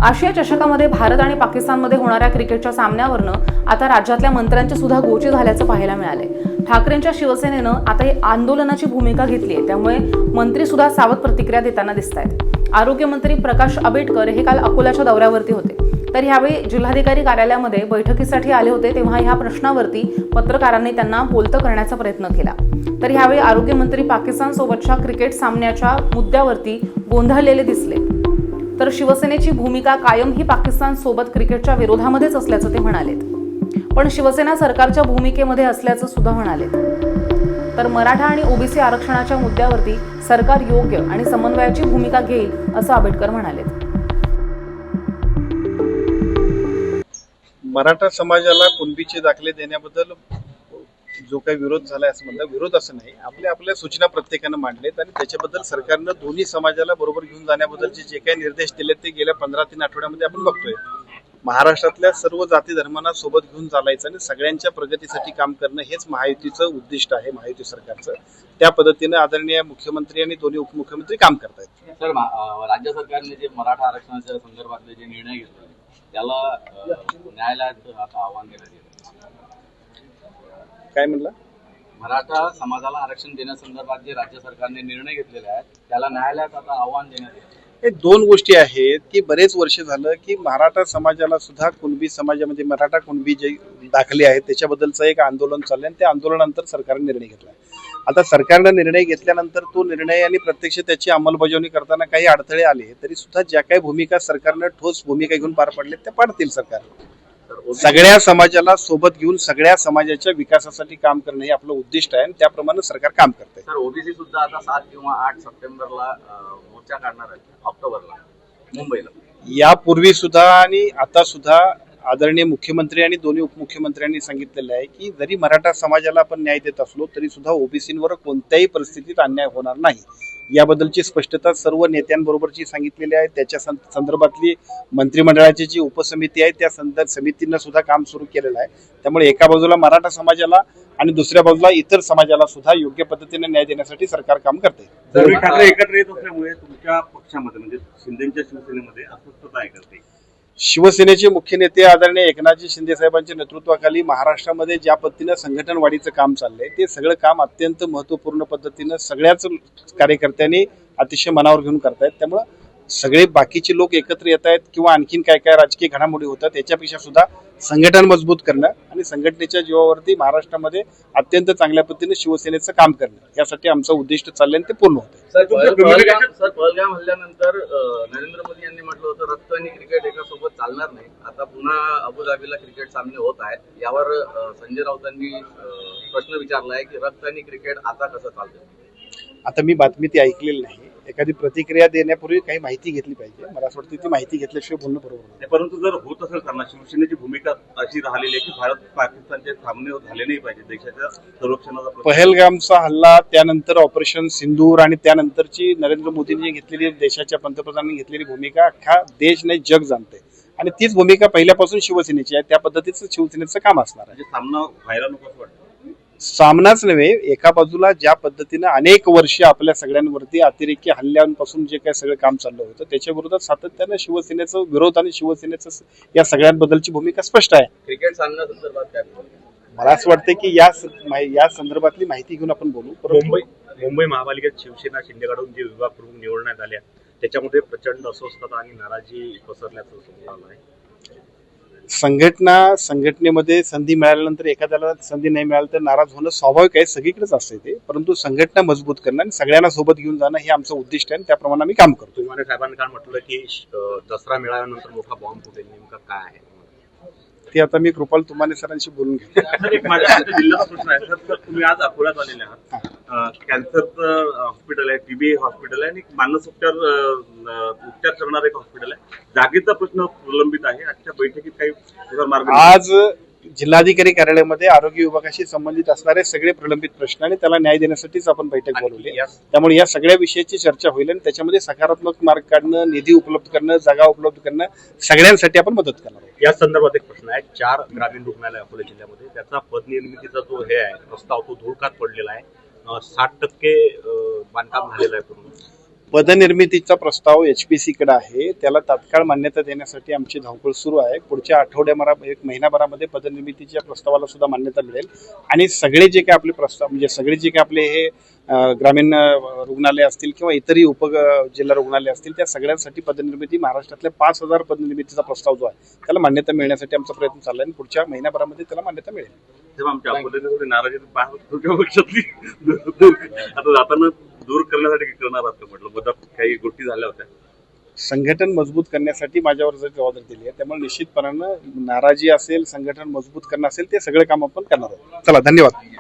आशिया चषकामध्ये भारत आणि पाकिस्तानमध्ये होणाऱ्या क्रिकेटच्या सामन्यावरनं आता राज्यातल्या मंत्र्यांची सुद्धा गोची झाल्याचं पाहायला मिळालंय. ठाकरेंच्या शिवसेनेनं आता ही आंदोलनाची भूमिका घेतली आहे, त्यामुळे मंत्री सुद्धा सावध प्रतिक्रिया देताना दिसत आहेत. आरोग्यमंत्री प्रकाश आंबेडकर हे काल अकोल्याच्या दौऱ्यावरती होते. तर यावेळी जिल्हाधिकारी कार्यालयामध्ये बैठकीसाठी आले होते, तेव्हा ह्या प्रश्नावरती पत्रकारांनी त्यांना बोलतं करण्याचा प्रयत्न केला. तर यावेळी आरोग्यमंत्री पाकिस्तान सोबतच्या क्रिकेट सामन्याच्या मुद्द्यावरती गोंधळलेले दिसले. तर शिवसेनेची भूमिका कायम ही पाकिस्तान सोबत क्रिकेटच्या विरोधामध्येच असल्याचं ते म्हणालेत. पण शिवसेना सरकारच्या भूमिकेमध्ये असल्याचं सुद्धा म्हणालेत. तर मराठा आणि ओबीसी आरक्षणाच्या मुद्द्यावरती सरकार योग्य आणि समन्वयाची भूमिका घेईल असं आंबेडकर म्हणालेत. मराठा समाजाला कुणबीचे दाखले देण्याबद्दल जो काही विरोध झालाय असं म्हणतात, विरोध असं नाही, आपल्या सूचना प्रत्येकानं मांडलेत आणि त्याच्याबद्दल सरकारनं दोन्ही समाजाला बरोबर घेऊन जाण्याबद्दलचे जे काही निर्देश दिलेत ते गेल्या 15-3 आठवड्यामध्ये आपण बघतोय. महाराष्ट्रातल्या सर्व जाती धर्मांना सोबत घेऊन चालायचं आणि सगळ्यांच्या प्रगतीसाठी काम करणं हेच महायुतीचं उद्दिष्ट आहे, महायुती सरकारचं. त्या पद्धतीनं आदरणीय मुख्यमंत्री आणि दोन्ही उपमुख्यमंत्री काम करतायत. सर, राज्य सरकारने जे मराठा आरक्षणाच्या संदर्भातले जे निर्णय घेतले त्याला न्यायालयात आता आव्हान देण्यात येतं. काय म्हणला? मराठा समाजाला आरक्षण देण्यासंदर्भात जे राज्य सरकारने निर्णय घेतलेले आहेत त्याला न्यायालयात आता आव्हान देण्यात येतं. हे दोन गोष्टी आहेत की बरेच वर्ष झालं की मराठा समाजाला सुद्धा कुणबी समाजामध्ये मराठा कुणबी जे दाखले आहेत त्याच्याबद्दलचं एक आंदोलन चाललंय आणि त्या आंदोलनानंतर सरकारने निर्णय घेतला. आता सरकारनं निर्णय घेतल्यानंतर तो निर्णय आणि प्रत्यक्ष त्याची अंमलबजावणी करताना काही अडथळे आले तरी सुद्धा ज्या काही भूमिका सरकारनं ठोस भूमिका घेऊन पार पडले त्या पाडतील. सरकार सगळ्या समाजाला सोबत घेऊन सगळ्या समाजाच्या विकासासाठी काम करणं हे आपलं उद्दिष्ट आहे आणि त्याप्रमाणे सरकार काम करते. सर, ओबीसी सुद्धा आता 7 किंवा 8 सप्टेंबरला मोर्चा काढणार आहे, ऑक्टोबरला मुंबईला. यापूर्वी सुद्धा आणि आता सुद्धा आदरणीय मुख्यमंत्री आणि दोन्ही उपमुख्यमंत्र्यांनी सांगितलेलं आहे की जरी मराठा समाजाला आपण न्याय देत असलो तरी सुद्धा ओबीसींवर कोणत्याही परिस्थितीत अन्याय होणार नाही याबद्दलची स्पष्टता सर्व नेत्यांबरोबरची सांगितलेली आहे. त्याच्या संदर्भातली मंत्रिमंडळाची जी उपसमिती आहे त्या समितीनं सुद्धा काम सुरू केलेलं आहे. त्यामुळे एका बाजूला मराठा समाजाला आणि दुसऱ्या बाजूला इतर समाजाला सुद्धा योग्य पद्धतीने न्याय देण्यासाठी सरकार काम करते. ठाकरे एकत्र येत असल्यामुळे तुमच्या पक्षामध्ये म्हणजे शिंदेच्या शिवसेनेमध्ये अस्वस्थता आहे करते. शिवसेनेचे मुख्य नेते आदरणीय एकनाथजी शिंदे साहेबांच्या नेतृत्वाखाली महाराष्ट्रामध्ये ज्या पद्धतीनं संघटन वाढीचं काम चाललंय ते सगळं काम अत्यंत महत्वपूर्ण पद्धतीनं सगळ्याच कार्यकर्त्यांनी अतिशय मनावर घेऊन करतायत. त्यामुळं सगळे बाकीचे लोक एकत्र येत आहेत किंवा आणखीन काय काय राजकीय घडामोडी होतात याच्यापेक्षा सुद्धा संघटन मजबूत करणं आणि संघटनेच्या जीवावरती महाराष्ट्रामध्ये अत्यंत चांगल्या पद्धतीने शिवसेनेचं काम करणं यासाठी आमचं उद्दिष्ट चाललंय आणि ते पूर्ण होतं. सर, पहलगाम हल्ल्यानंतर नरेंद्र मोदी यांनी म्हटलं होतं रक्त आणि क्रिकेट एका सोबत चालणार नाही. आता पुन्हा अबुधाबीला क्रिकेट सामने होत आहेत. यावर संजय राऊतांनी प्रश्न विचारलाय की रक्त आणि क्रिकेट आता कसं चालतं. आता मी बातमी ती ऐकलेली नाही. एखादी प्रतिक्रिया देण्यापूर्वी काही माहिती घेतली पाहिजे. मला असं वाटतं ती माहिती घेतल्याशिवाय बोलणं बरोबर नाही. परंतु जर होत असेल त्यांना शिवसेनेची भूमिका अशी राहिलेली आहे की भारत पाकिस्तानचे सामने झाले नाही पाहिजे देशाच्या संरक्षणाचा. पहलगामचा हल्ला, त्यानंतर ऑपरेशन सिंदूर आणि त्यानंतरची नरेंद्र मोदींनी घेतलेली देशाच्या पंतप्रधानांनी घेतलेली भूमिका अख्खा देश नाही जग जाणते आणि तीच भूमिका पहिल्यापासून शिवसेनेची आहे. त्या पद्धतीचं शिवसेनेचं काम असणार आहे. सामना व्हायला नको असं वाटतं. सामनाच नव्हे, एका बाजूला ज्या पद्धतीनं अनेक वर्ष आपल्या सगळ्यांवरती अतिरेकी हल्ल्यांपासून जे काही सगळं काम चाललं होतं त्याच्या विरोधात सातत्यानं शिवसेनेचं विरोध आणि शिवसेनेचं या सगळ्यांबद्दलची भूमिका स्पष्ट आहे. क्रिकेट सामन्यासंदर्भात काय मला असं वाटतं की या संदर्भातली माहिती घेऊन आपण बोलू. मुंबई महापालिकेत शिवसेना शिंदेकडून जे विभाग प्रमुख निवडण्यात आल्या त्याच्यामध्ये प्रचंड अस्वस्थता आणि नाराजी पसरल्याचं समोर आलं आहे. संघटनेमध्ये संधी मिळाल्यानंतर एखाद्याला संधी नाही मिळाली तर नाराज होणं स्वाभाविक आहे, सगळीकडेच असते ते. परंतु संघटना मजबूत करणं आणि सगळ्यांना सोबत घेऊन जाणं हे आमचं उद्दिष्ट आहे आणि त्याप्रमाणे आम्ही काम करतो. तुम्हाला साहेबांनी काय म्हटलं की दसरा मिळाल्यानंतर मोठा बॉम्ब फुटेल, नेमका काय आहे ते आता मी कृपाल तुमाने सरांशी बोलून घेतो. माझ्या जिल्ह्याचा प्रश्न आहे सर, तुम्ही आज अकोल्यात आलेले आहात. कॅन्सरचं हॉस्पिटल आहे, टीबी हॉस्पिटल आहे आणि मानस उपचार करणारं एक हॉस्पिटल आहे. जागेचा प्रश्न प्रलंबित आहे. आजच्या बैठकीत काही मार्ग आज जिल्हाधिकारी कार्यालयामध्ये आरोग्य विभागाशी संबंधित असणारे सगळे प्रलंबित प्रश्न आणि त्याला न्याय देण्यासाठीच आपण बैठक बोलवली. त्यामुळे या सगळ्या विषयाची चर्चा होईल आणि त्याच्यामध्ये सकारात्मक मार्ग काढणं, निधी उपलब्ध करणं, जागा उपलब्ध करणं सगळ्यांसाठी आपण मदत करणार आहोत. या संदर्भात एक प्रश्न आहे. 4 ग्रामीण रुग्णालय अकोला जिल्ह्यामध्ये त्याचा पदनिर्मितीचा जो हे आहे प्रस्ताव तो धुळकात पडलेला आहे. 60% बांधकाम झालेलं आहे पूर्ण. पदनिर्मितीचा प्रस्ताव HPC कडे आहे. त्याला तात्काळ मान्यता देण्यासाठी आमची धावपळ सुरू आहे. पुढच्या एक महिनाभरामध्ये पदनिर्मितीच्या प्रस्तावाला सुद्धा मान्यता मिळेल आणि सगळे जे काही आपले प्रस्ताव म्हणजे सगळे जे काही आपले हे ग्रामीण रुग्णालय असतील किंवा इतरही जिल्हा रुग्णालय असतील त्या सगळ्यांसाठी पदनिर्मिती महाराष्ट्रातल्या 5,000 पदनिर्मितीचा प्रस्ताव जो आहे त्याला मान्यता मिळण्यासाठी आमचा प्रयत्न चालला आहे आणि पुढच्या महिन्याभरामध्ये त्याला मान्यता मिळेल. तेव्हा आमच्या अकोल्याने थोडी नाराजी आता जाताना दूर करण्यासाठी करणार आहात का म्हटलं मधात काही गोष्टी झाल्या होत्या. संघटन मजबूत करण्यासाठी माझ्यावर जर जबाबदारी दिली आहे त्यामुळे निश्चितपणानं नाराजी असेल संघटन मजबूत करणं असेल ते सगळे काम आपण करणार आहोत. चला धन्यवाद.